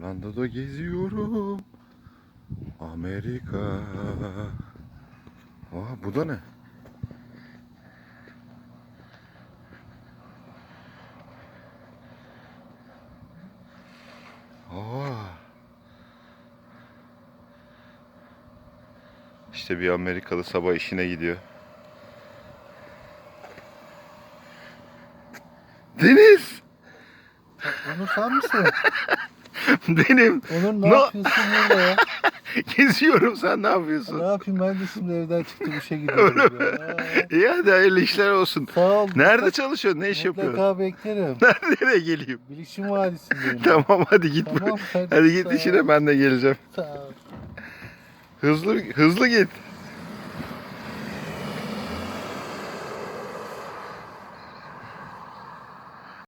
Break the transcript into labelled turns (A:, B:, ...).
A: Orlando'da geziyorum. Amerika. Aa, bu da ne? Aa. İşte bir Amerikalı sabah işine gidiyor. Deniz!
B: Onur sen misin?
A: Benim.
B: Onur ne yapıyorsun burada ya?
A: Geziyorum, sen ne yapıyorsun?
B: Ne yapayım, ben de şimdi evden çıktım, işe gidiyorum ya.
A: İyi, hadi hayırlı işler olsun.
B: Sağ ol.
A: Nerede çalışıyorsun? Ne iş yapıyorsun?
B: Mutlaka beklerim.
A: Nereye geleyim?
B: Bilişim Vadisi'ndeyim.
A: Tamam, hadi git.
B: Tamam,
A: Hadi git
B: sağ ol.
A: işine, ben de geleceğim.
B: Sağ ol.
A: Hızlı hızlı git.